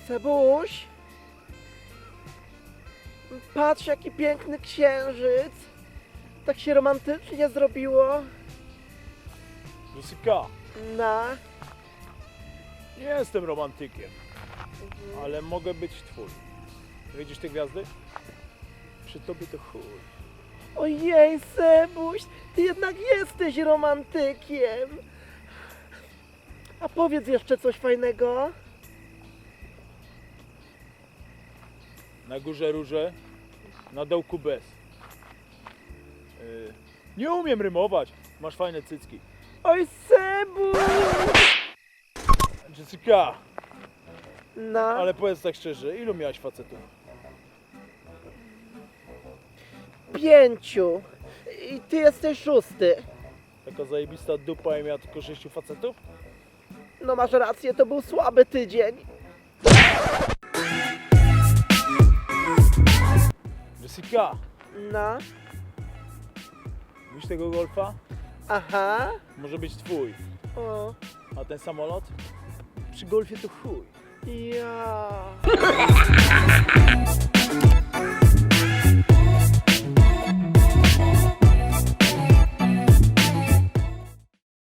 Sebuś, patrz jaki piękny księżyc. Tak się romantycznie zrobiło. Jessica, Na. nie jestem romantykiem, ale mogę być twój. Widzisz te gwiazdy? Przy tobie to chuj. Ojej, Sebuś, ty jednak jesteś romantykiem. A powiedz jeszcze coś fajnego. Na górze róże, na dołku bez. Nie umiem rymować. Masz fajne cycki. Oj, Sebuś! Jessica, No, ale powiedz tak szczerze, ilu miałaś facetów? 5. I ty jesteś 6. Taka zajebista dupa i miała tylko 6 facetów? No masz rację, to był słaby tydzień. Jessica, No, widzisz tego golfa? aha. Może być twój. O, A ten samolot? Przy golfie to chuj. ja.